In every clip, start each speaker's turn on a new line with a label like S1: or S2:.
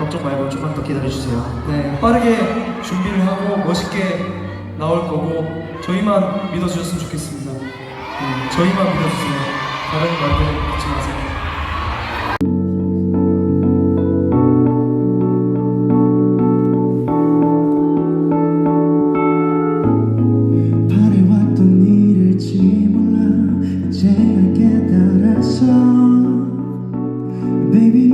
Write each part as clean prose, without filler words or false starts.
S1: 걱정 말고 조금만 더 기다려주세요.
S2: 네, 빠르게 준비를 하고 멋있게 나올 거고 저희만 믿어주셨으면 좋겠습니다. 네, 저희만 믿어주세요. 다른 말들 믿지 마세요.
S3: 바래왔던 일일지 몰라 이제야 깨달았어 Baby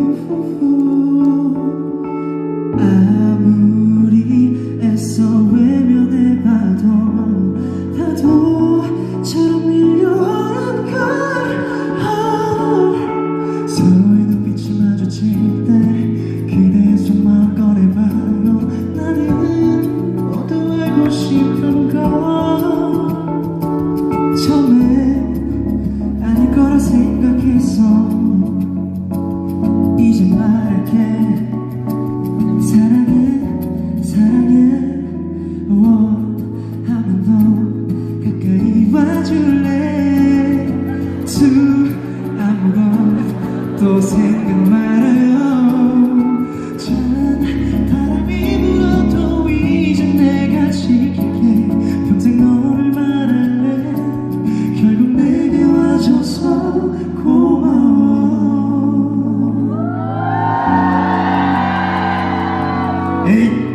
S3: 아무리 애써 외면해봐도 파도처럼 밀려오는 걸 서로의 눈빛이 마주칠 때 그대의 속마음 꺼내봐요 나는 모두 알고 싶은 걸 처음에 아닐 거라 생각했어 이제 말할게 사랑해 사랑해 하면 더 가까이 와줄래 아무것도 생각 말아요 전 바람이 불어도 이제 내가 지킬게 평생 너를 말할래 결국 내게 와줘서 고마워 에이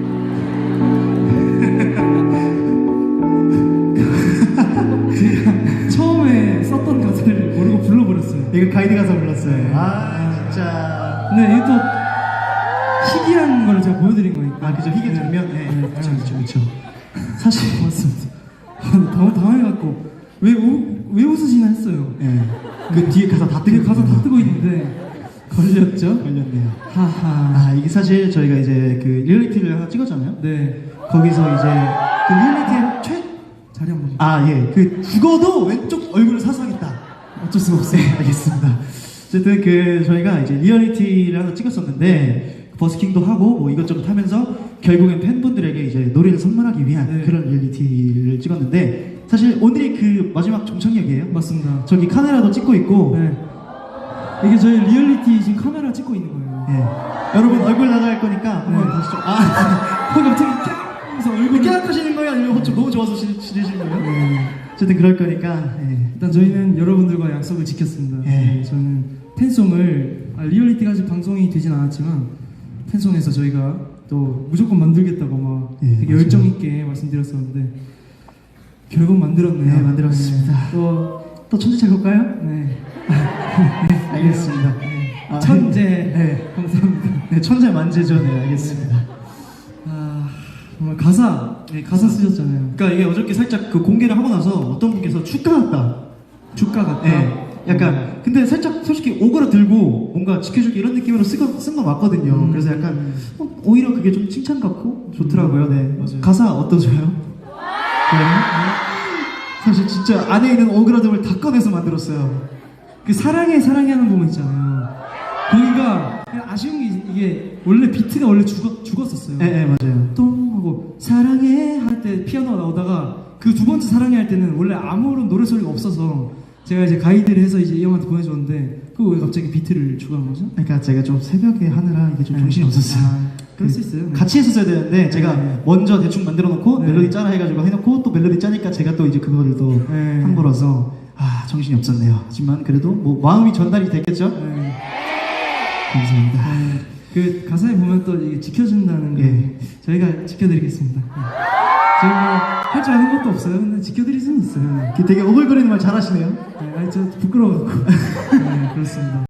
S3: 제가 처음에 썼던 가사를 모르고 불러버렸어요.
S1: 이거 가이드 가사 불렀어요. 아 진짜.
S3: 네, 이게 또 희귀한 걸 제가 보여드린 거니까.
S1: 아 그죠, 희귀 장면.
S3: 네,
S1: 네, 그렇죠.
S3: 사실 맞습니다. 너무 당황해갖고 왜 웃으시나 했어요.
S1: 네. 그 뒤에 가사 다
S3: 되게
S1: 뜨고
S3: 가사 다 뜨고 있는데 걸렸죠?
S1: 걸렸네요.
S3: 하하.
S1: 아 이게 사실 저희가 이제 그 리얼리티를 하나 찍었잖아요.
S3: 네.
S1: 거기서 이제 그 리얼리티의
S3: 자리 한번.
S1: 그 죽어도 왼쪽 얼굴을 사수하겠다.
S3: 어쩔 수가 없어요.
S1: 네, 알겠습니다. 어쨌든 그 저희가 이제 리얼리티를 하나 찍었었는데 버스킹도 하고 뭐 이것저것 하면서 결국엔 팬분들에게 이제 노래를 선물하기 위한
S3: 네.
S1: 그런 리얼리티를 찍었는데 사실 오늘이 그 마지막 종착역이에요.
S3: 맞습니다.
S1: 저기 카메라도 찍고 있고
S3: 네. 이게 저희 리얼리티 지금 카메라 찍고 있는 거예요.
S1: 네. 여러분 얼굴 나갈 거니까 한번
S3: 네.
S1: 다시 좀
S3: 갑자기 하면서 얼굴을
S1: 깨악하시는 거예요? 아니면 좀 너무 좋아서 지내시는 거예요?
S3: 네.
S1: 어쨌든 그럴 거니까
S3: 일단 저희는 여러분들과 약속을 지켰습니다.
S1: 네.
S3: 저는 팬송을 리얼리티까지 방송이 되진 않았지만 팬송에서 저희가 또 무조건 만들겠다고 막
S1: 네,
S3: 되게
S1: 맞아요.
S3: 열정 있게 말씀드렸었는데 결국 만들었네요.
S1: 네, 만들었습니다.
S3: 네.
S1: 또 천재 볼까요?
S3: 네.
S1: 알겠습니다. 아,
S3: 천재.
S1: 네.
S3: 감사합니다.
S1: 네, 천재 만재죠. 네, 알겠습니다.
S3: 정말 가사 쓰셨잖아요.
S1: 그러니까 이게 어저께 살짝 그 공개를 하고 나서 어떤 분께서 축가 같다.
S3: 주가 같다.
S1: 네, 약간 근데 살짝 솔직히 오그라 들고 뭔가 지켜줄게 이런 느낌으로 쓴 거 맞거든요. 그래서 약간 오히려 그게 좀 칭찬 같고 좋더라고요. 네,
S3: 맞아요.
S1: 가사 어떠세요? 그래요? 사실 진짜 안에 있는 오그라듦을 다 꺼내서 만들었어요.
S3: 그 사랑해 하는 부분 있잖아요. 거기가 그냥 아쉬운 게 이게 원래 비트가 원래 죽었었어요.
S1: 네, 맞아요.
S3: 똥 하고 사랑해 할 때 피아노가 나오다가 그 두 번째 사랑해 할 때는 원래 아무런 노래 소리가 없어서 제가 이제 가이드를 해서 이제 이 형한테 보내줬는데 그거 왜 갑자기 비트를 추가한 거죠?
S1: 그러니까 제가 좀 새벽에 하느라 이게 좀
S3: 네.
S1: 정신이 없었어요.
S3: 그럴 수 있어요. 네.
S1: 같이 했었어야 되는데 제가
S3: 네.
S1: 먼저 대충 만들어 놓고
S3: 네.
S1: 멜로디 짜라 해가지고 해놓고 또 멜로디 짜니까 제가 또 이제 그거를 또
S3: 네.
S1: 한 거라서 정신이 없었네요. 하지만 그래도 뭐 마음이 전달이 됐겠죠?
S3: 네.
S1: 감사합니다.
S3: 네. 그 가사에 보면 또 이게 지켜준다는 거
S1: 예.
S3: 저희가 지켜드리겠습니다. 네. 저희 뭐할 줄 아는 것도 없어요. 근데 지켜드릴 수는 있어요.
S1: 되게 오글거리는 말 잘하시네요.
S3: 네, 아니 저 부끄러워갖고. 네, 그렇습니다.